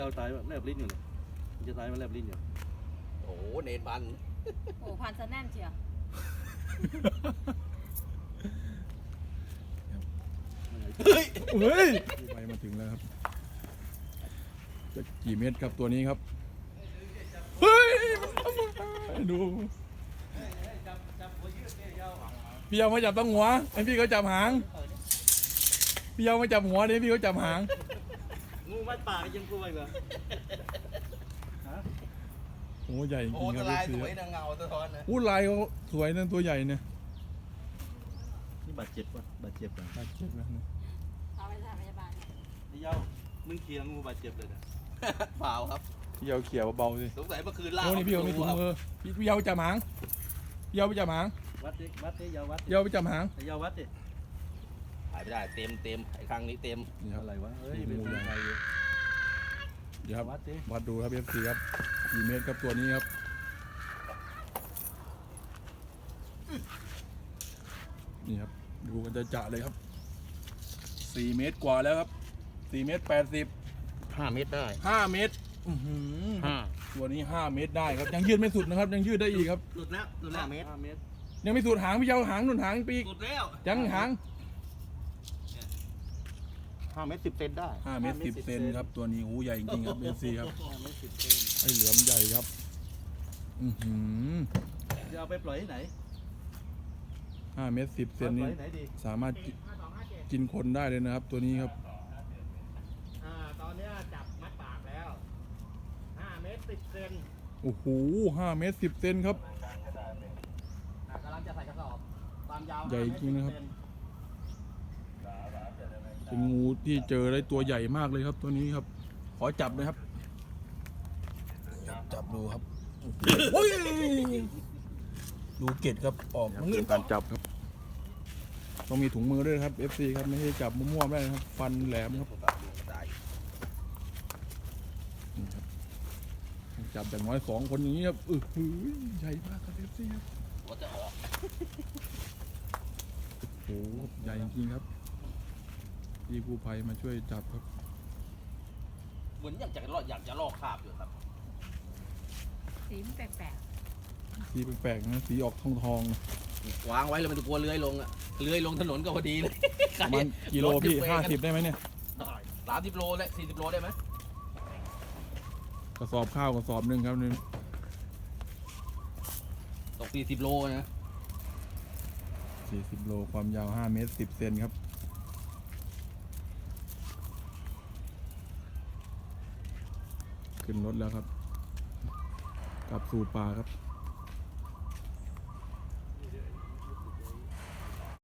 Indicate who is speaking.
Speaker 1: เราตายแลบลิ้นอยู่เนี่ยมันจะตายมันแลบลิ้นอยู่
Speaker 2: โอ้เนนพัน
Speaker 3: โอ้พันซะแน่นเชียว
Speaker 4: เฮ้ยไปมาถึงแล้วครับจะกี่เมตรครับตัวนี้ครับเฮ้ยดูพี่เอามาจับตั้งหัวไอพี่เขาจับหางพี่เอามาจับหัวนี่พี่เขาจับหาง
Speaker 1: งูมัดปากยังกลัวอีกเหรอ
Speaker 4: โอ้ใหญ่จริงครับ
Speaker 2: ลายสวยนะเงาสะท้อนนะ
Speaker 4: อู้ลายเขาสวยนั่นตัวใหญ่เนี่ย
Speaker 1: นี่บาดเจ็บป่ะบาดเจ็บป่ะ
Speaker 4: บาดเจ็บแล้วเนี่ย
Speaker 3: เอาไปสถานพยาบาล
Speaker 1: นี่เย้ามึงเคียงงูบาดเจ็บเลยนะ
Speaker 2: เปล่าครับ
Speaker 4: พี่เอาเขี่ยเบาๆสิ
Speaker 2: สงสัยเมื่อคืนล่า
Speaker 4: โอ้นี่พี่เอาไม่ถุงมือพี่เอาไปจับหางพี่เอาไปจับหาง
Speaker 1: วัดดิเย้าวัด
Speaker 4: พี่เอาไปจับหาง
Speaker 1: เย้าวัดดิ
Speaker 2: หายไม่ได้เต็มไอ้ครั้งนี้เต็ม
Speaker 4: นี่ครับ
Speaker 1: อะไรวะเฮ้ยเป็นใครอยู่
Speaker 4: เดี๋ยวครับ
Speaker 1: วัดดิ
Speaker 4: วัดดูครับFCครับกี่เมตรครับตัวนี้ครับนี่ครับดูกันจะเลยครับ4 เมตรกว่าแล้วครับ4 เมตร 80
Speaker 2: 5 เมตรได้
Speaker 4: 5 เมตรตัวนี้5 เมตรได้ครับยังยืดไม่สุดนะครับยังยืดได้อีกครับ
Speaker 2: หลุดแล้ว5 เมตร
Speaker 4: ยังไม่สุดหางพี่เจ้าหางหนุนหางปีก
Speaker 2: สุดแล้ว
Speaker 4: ยังหาง
Speaker 2: 5 เมตร 10 เซนได้
Speaker 4: 5 เมตร 10 เซนครับตัวนี้หูใหญ่จริงๆครับFCครับ
Speaker 1: 5 เมตร 10 เซน
Speaker 4: ไอเหลือมใหญ่ครับ
Speaker 1: จะเอาไปปล่อยที่ไหน
Speaker 4: 5 เมตร 10 เซนนี้สามารถกินคนได้เลยนะครับตัวนี้ครับ
Speaker 2: ตอนนี้จับมัดปากแล้ว5 เมตร 10 เซน
Speaker 4: โอ้โห5 เมตร 10 เซนครับ
Speaker 2: กำลังจะใส่กระสอบความยาว
Speaker 4: ใหญ่จริงนะครับเป็นงูที่เจอได้ตัวใหญ่มากเลยครับตัวนี้ครับขอจับเลยครับจับดูครับดูเกล็ดครับออกมือการจับครับต้องมีถุงมือด้วยครับ FC ครับไม่ใช่จับมั่วๆไม่ได้นะครับฟันแหลมครับจับอย่างน้อย2 คนอย่างนี้ครับใหญ่มากครับ FC ครับ
Speaker 2: หัวจะออก
Speaker 4: โอ้โหใหญ่จริงๆครับพี่กู้ภัยมาช่วยจับครับ
Speaker 2: เหมือนอยากจะลอกคราบอยู่ครับ
Speaker 3: สีมันแปลก
Speaker 4: สีแปลกๆนะสีออกทอง
Speaker 2: วางไว้แล้วมันจะกลัวเลื้อยลงอะเลื้อยลงถนนก็พอดีเลย
Speaker 4: มันกิโลพี่50ได้ไหมเนี่ย
Speaker 2: 30 โลและ40 โลได้ไหม
Speaker 4: กระสอบข้าวกระสอบหนึ่งครับนี่
Speaker 2: ตก40 โลนะ
Speaker 4: 40 โลความยาว5 เมตร 10 เซนครับขึ้นรถแล้วครับกลับสู่ป่าครับ